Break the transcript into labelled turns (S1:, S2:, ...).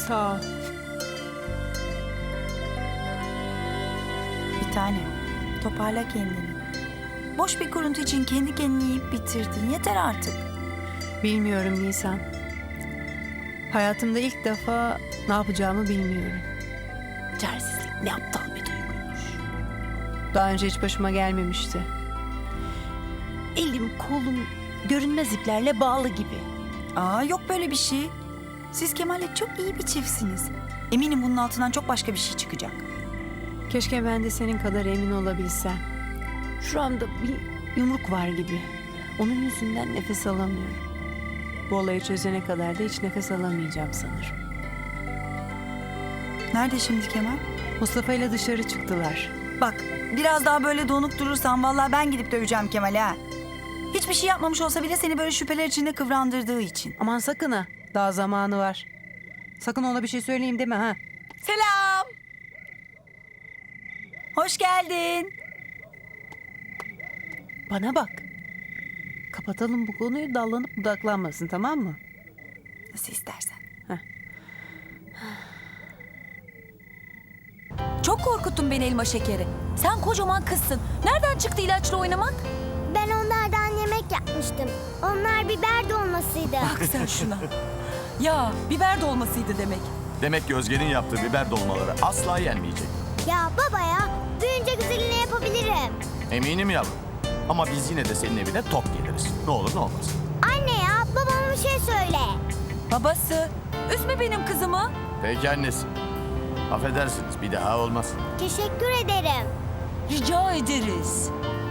S1: Sağ ol.
S2: Bir tanem, toparla kendini. Boş bir kuruntu için kendi kendini yiyip bitirdin. Yeter artık.
S1: Bilmiyorum Nisan. Hayatımda ilk defa ne yapacağımı bilmiyorum.
S3: Çaresizlik ne aptal bir duyguymuş.
S1: Daha önce hiç başıma gelmemişti.
S3: Elim kolum görünmez iplerle bağlı gibi.
S2: Aa, yok böyle bir şey. Siz Kemal'le çok iyi bir çiftsiniz. Eminim bunun altından çok başka bir şey çıkacak.
S1: Keşke ben de senin kadar emin olabilsem. Şuramda bir yumruk var gibi. Onun yüzünden nefes alamıyorum. Bu olayı çözene kadar da hiç nefes alamayacağım sanırım.
S2: Nerede şimdi Kemal?
S1: Mustafa ile dışarı çıktılar.
S2: Bak, biraz daha böyle donuk durursan vallahi ben gidip döveceğim Kemal'i ha. Hiçbir şey yapmamış olsa bile seni böyle şüpheler içinde kıvrandırdığı için.
S1: Aman sakın ha. Daha zamanı var. Sakın ona bir şey söyleyeyim deme ha.
S2: Selam. Hoş geldin.
S1: Bana bak. Kapatalım bu konuyu, dallanıp budaklanmasın, tamam mı?
S2: Nasıl istersen.
S1: Heh.
S4: Çok korkuttun beni elma şekeri. Sen kocaman kızsın. Nereden çıktı ilaçla oynamak?
S5: Ben onlardan yemek yapmıştım. Onlar biber dolmasıydı.
S4: Bak sen şuna. Ya biber dolmasıydı demek.
S6: Demek ki Özge'nin yaptığı biber dolmaları asla yenmeyecek.
S5: Ya baba ya, büyünce güzelini yapabilirim.
S6: Eminim yavrum. Ama biz yine de senin evine tok geliriz. Ne olur ne olmaz.
S5: Anne ya, babama bir şey söyle.
S4: Babası, üzme benim kızımı.
S6: Peki annesi. Affedersiniz bir daha olmaz.
S5: Teşekkür ederim.
S4: Rica ederiz.